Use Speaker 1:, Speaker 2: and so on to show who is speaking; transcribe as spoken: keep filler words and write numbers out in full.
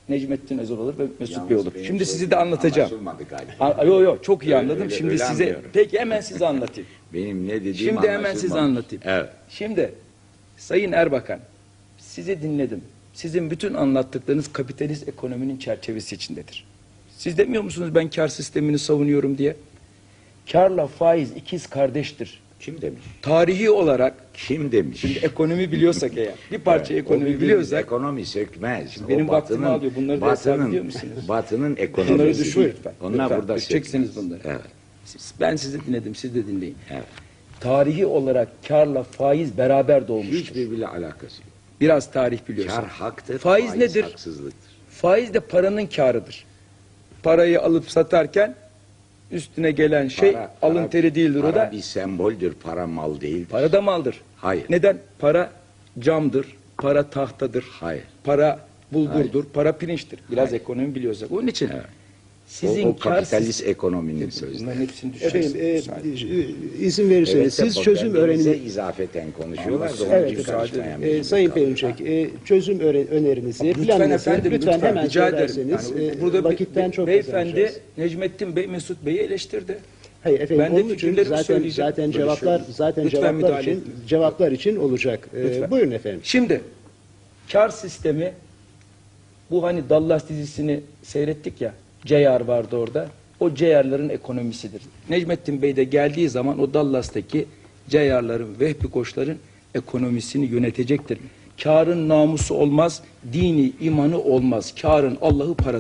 Speaker 1: Necmettin Özel olur ve Mesut
Speaker 2: Yalnız
Speaker 1: Bey olur.
Speaker 2: benim
Speaker 1: Şimdi sizi
Speaker 2: sözüm
Speaker 1: de anlatacağım.
Speaker 2: anlaşılmadı galiba.
Speaker 1: Yok yok çok iyi
Speaker 2: Öyle-
Speaker 1: anladım.
Speaker 2: öyle-
Speaker 1: Şimdi
Speaker 2: öyle
Speaker 1: size
Speaker 2: anlıyorum.
Speaker 1: peki hemen size anlatayım.
Speaker 2: Benim ne dediğim
Speaker 1: Şimdi hemen size
Speaker 2: anlaşılmamış.
Speaker 1: anlatayım.
Speaker 2: Evet.
Speaker 1: Şimdi Sayın Erbakan, sizi dinledim. Sizin bütün anlattıklarınız kapitalist ekonominin çerçevesi içindedir. Siz demiyor musunuz ben kar sistemini savunuyorum diye? Karla faiz ikiz kardeştir.
Speaker 2: Kim demiş?
Speaker 1: Tarihi olarak
Speaker 2: Kim demiş?
Speaker 1: şimdi ekonomi biliyorsak eğer, bir parça
Speaker 2: Evet, o
Speaker 1: ekonomi
Speaker 2: bildiğimiz
Speaker 1: biliyorsak,
Speaker 2: ekonomi sökmez. O
Speaker 1: benim vaktimi
Speaker 2: batının-
Speaker 1: alıyor. Bunları da hesap
Speaker 2: batının,
Speaker 1: ediyor musunuz?
Speaker 2: Batının
Speaker 1: bunları
Speaker 2: ekonomisi.
Speaker 1: düşün lütfen.
Speaker 2: Onlar
Speaker 1: Lütfen,
Speaker 2: burada
Speaker 1: düşeceksiniz
Speaker 2: sökmez.
Speaker 1: bunları.
Speaker 2: Evet.
Speaker 1: Siz- Ben sizi dinledim, siz de dinleyin.
Speaker 2: Evet.
Speaker 1: Tarihi olarak karla faiz beraber doğmuştur.
Speaker 2: Hiçbirbiriyle alakası yok.
Speaker 1: Biraz tarih biliyorsun.
Speaker 2: Kar haktır,
Speaker 1: Faiz nedir?
Speaker 2: haksızlıktır.
Speaker 1: Faiz de paranın kârıdır. Parayı alıp satarken üstüne gelen şey
Speaker 2: Para-
Speaker 1: alın
Speaker 2: para-
Speaker 1: teri değildir o
Speaker 2: Para
Speaker 1: da.
Speaker 2: bir semboldür, para mal değildir.
Speaker 1: Para da maldır.
Speaker 2: Hayır.
Speaker 1: Neden? Para camdır, para tahtadır,
Speaker 2: Hayır.
Speaker 1: para bulgurdur, para pirinçtir. Biraz
Speaker 2: Hayır.
Speaker 1: ekonomi biliyorsak. Onun için
Speaker 2: Evet.
Speaker 1: sizin
Speaker 2: o, o
Speaker 1: kâr
Speaker 2: kapitalist
Speaker 1: sistemi-
Speaker 2: ekonominin sözü.
Speaker 1: Bunların hepsini düşeceksiniz.
Speaker 3: Efendim e, izin verirseniz
Speaker 2: Evet,
Speaker 3: siz
Speaker 2: bak,
Speaker 3: çözüm
Speaker 2: birbirimize
Speaker 3: öğrenimi
Speaker 2: izafeten konuşuyorlar da onun
Speaker 3: Evet
Speaker 2: için
Speaker 3: efendim.
Speaker 2: karışmaya
Speaker 3: E,
Speaker 2: mecbur
Speaker 3: Sayın
Speaker 2: kalıyoruz.
Speaker 3: Perinçek, e, çözüm öre- önerinizi,
Speaker 1: Lütfen
Speaker 3: planınızı
Speaker 1: efendim,
Speaker 3: lütfen,
Speaker 1: lütfen,
Speaker 3: hemen
Speaker 1: rica ederim.
Speaker 3: söylerseniz
Speaker 1: Yani
Speaker 3: e,
Speaker 1: burada
Speaker 3: vakitten
Speaker 1: be-
Speaker 3: çok
Speaker 1: beyefendi
Speaker 3: kazanacağız.
Speaker 1: Necmettin Bey Mesut Bey'i eleştirdi.
Speaker 3: Hayır efendim
Speaker 1: Ben de
Speaker 3: onun için
Speaker 1: fikirlerimi
Speaker 3: zaten
Speaker 1: söyleyeceğim.
Speaker 3: zaten
Speaker 1: Böyle
Speaker 3: cevaplar
Speaker 1: şey-
Speaker 3: zaten
Speaker 1: Lütfen
Speaker 3: cevaplar
Speaker 1: müdahale
Speaker 3: için
Speaker 1: etmeyin.
Speaker 3: cevaplar için olacak. E,
Speaker 1: Lütfen.
Speaker 3: buyurun efendim.
Speaker 1: Şimdi kar sistemi, bu hani Dallas dizisini seyrettik ya, Ceyar vardı orada. O Ceyarların ekonomisidir. Necmettin Bey de geldiği zaman o Dallas'taki Ceyarların, Vehbi Koçların ekonomisini yönetecektir. Karın namusu olmaz, dini imanı olmaz. Karın Allah'ı para